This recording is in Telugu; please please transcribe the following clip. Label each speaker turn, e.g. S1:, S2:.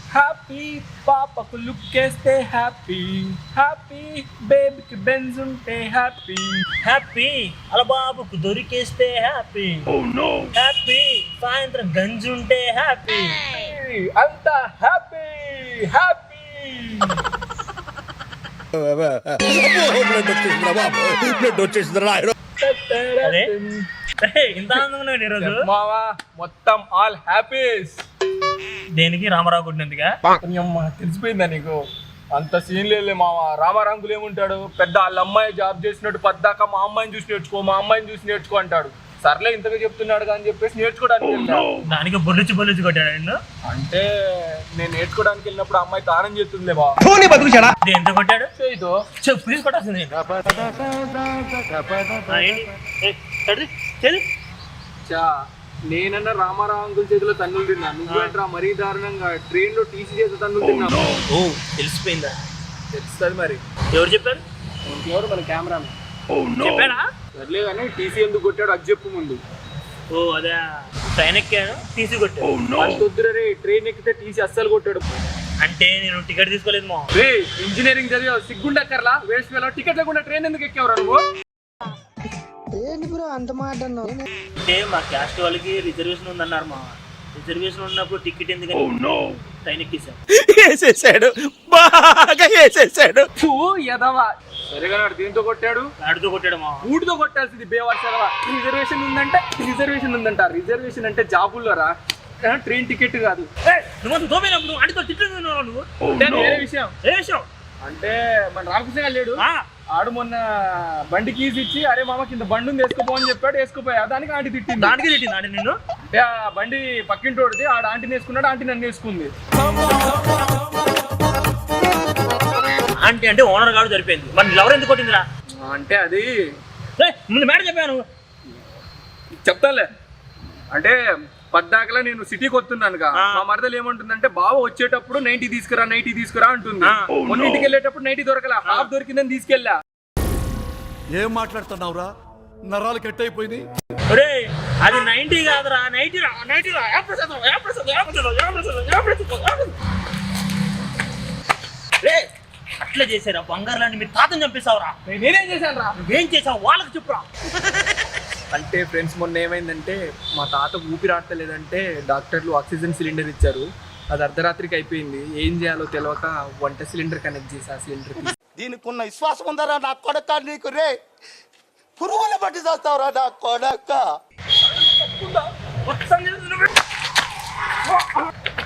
S1: హ్యాపీ పాపకు లుక్కేస్తే హ్యాపీ హ్యాపీ బేబీకి బెంజ్ ఉంటే హ్యాపీ
S2: హ్యాపీ అలా బాబుకు దొరికేస్తే హ్యాపీ హ్యాపీ సాయంత్రం గంజి ఉంటే హ్యాపీ
S1: అంతా హ్యాపీ హ్యాపీ.
S2: అదే ఇంత ఆనందంగా ఉన్నాడు ఈరోజు.
S1: మావా మొత్తం ఆల్ హ్యాపీస్.
S2: దేనికి రామారావు కొట్టినందుగా?
S1: తెలిసిపోయిందా నీకు? అంత సీన్ లేదు మావా. రామారాంగులు ఏముంటాడు, పెద్ద వాళ్ళ అమ్మాయి జాబ్ చేసినట్టు పద్దాక మా అమ్మాయిని చూసి నేర్చుకో, మా అమ్మాయిని చూసి నేర్చుకో అంటాడు. సర్లే ఇంతగా చెప్తున్నాడు అని చెప్పేసి నేర్చుకోవడానికి వెళ్ళాను.
S2: దానికి బొల్లిచి కొట్టాడు ఆయన.
S1: అంటే నేను నేర్చుకోవడానికి వెళ్ళినప్పుడు అమ్మాయి దానం చేస్తుందిలే బా.
S2: ఎంత కొట్టాడు?
S1: చేయితో
S2: చెప్పు ప్లీజ్ కొట్టాల్సింది.
S1: నేనన్నా రామారావు అంకుల్ చేతిలో తన్నులు తిన్నా, నువ్వేంట్రా మరీ దారుణంగా ట్రైన్ లో టీసీ చేతిలో తన్నులు తిన్నా.
S2: ఓ తెలిసిపోయిందా?
S1: తెలుస్తుంది మరి.
S2: ఎవరు చెప్పారు?
S1: ఎవరు? మన కెమెరా
S2: చెప్పాడా?
S1: సర్లే కానీ టీసీ ఎందుకు కొట్టాడు అది చెప్పు ముందు.
S2: ఓ అదే ట్రైన్ ఎక్కాను టీసీ కొట్టాడు.
S1: అంతొద్దురే, ట్రైన్ ఎక్కితే టీసీ అస్సలు కొట్టాడు.
S2: అంటే నేను టికెట్ తీసుకోలేదు మా.
S1: రే ఇంజనీరింగ్ చదివావు, సిగ్గుండక్కర్లా వేస్ట్ వేళ టికెట్ లేకుండా ట్రైన్ ఎందుకు ఎక్కేవరా నువ్వు?
S3: అంత మాట
S2: అంటే మా క్యాస్ట్ వాళ్ళకి రిజర్వేషన్ ఉందన్నారు మా. రిజర్వేషన్ ఉన్నప్పుడు టికెట్ ఎందుకని ట్రైన్ ఎక్కేసాడు.
S3: బాగా వేసేసాడు.
S1: సరేగా దీంతో కొట్టాడు,
S2: ఆడితో కొట్టాడు మా.
S1: ఊటితో కొట్టాల్సింది బేవాడు చదవా. రిజర్వేషన్ ఉందంటే రిజర్వేషన్ ఉందంట. రిజర్వేషన్ అంటే జాబుల్లో రా, ట్రైన్ టికెట్ కాదు.
S2: నువ్వు దోమైనప్పుడు ఆడితో తిట్టు నువ్వు.
S1: వేరే విషయం.
S2: ఏ విషయం
S1: అంటే మన రామకృష్ణ గారు లేడు, ఆడు మొన్న బండి కీస్ ఇచ్చి అరే మామ కింద బండి ఉంది వేసుకోపో అని చెప్పాడు. వేసుకోపోయా, దానికి ఆంటీ తిట్టింది.
S2: దానికి తిట్టింది ఆంటీ నిన్ను?
S1: అంటే ఆ బండి పక్కింటోడిది, ఆడ ఆంటీని వేసుకున్నాడు, ఆంటీ నన్ను వేసుకుంది.
S2: ఆంటీ అంటే ఓనర్ గారు సరిపోయింది. మరి ఎవరు ఎందుకు కొట్టిందిరా?
S1: అంటే అది
S2: ముందు మేడం చెప్పాను.
S1: చెప్తాలే. అంటే పద్దాకలా నేను సిటీకి వస్తున్నానుగా, మా మరదలు ఏమంటుందంటే బావ వచ్చేటప్పుడు 90 తీసుకురా అంటుంది. మొన్న ఇంటికి వెళ్ళేటప్పుడు 90 దొరకలా, హాఫ్ దొరికిందని తీసుకెళ్ళా.
S4: ఏం మాట్లాడుతున్నావురా? నరాలు కట్ అయిపోయింది.
S2: అది 90 కాదురా, 90 రా. అట్లా చేశారా? బంగారు లాంటి మీ తాతని చంపేశావురా.
S1: నేనేం చేశాను రా?
S2: నువ్వేం చేసావు వాళ్ళకి చెప్పురా.
S1: అంటే ఫ్రెండ్స్ మొన్న ఏమైందంటే మా తాత ఊపిరాడతలేదంటే డాక్టర్లు ఆక్సిజన్ సిలిండర్ ఇచ్చారు. అది అర్ధరాత్రికి అయిపోయింది. ఏం చేయాలో తెలియక వంట సిలిండర్ కనెక్ట్ చేసి ఆ సిలిండర్
S4: దీనికి ఉన్న విశ్వాసం ఉందరా నా కొడక? నీకు రే పురుగుల బట్టి చేస్తావురా నా కొడక.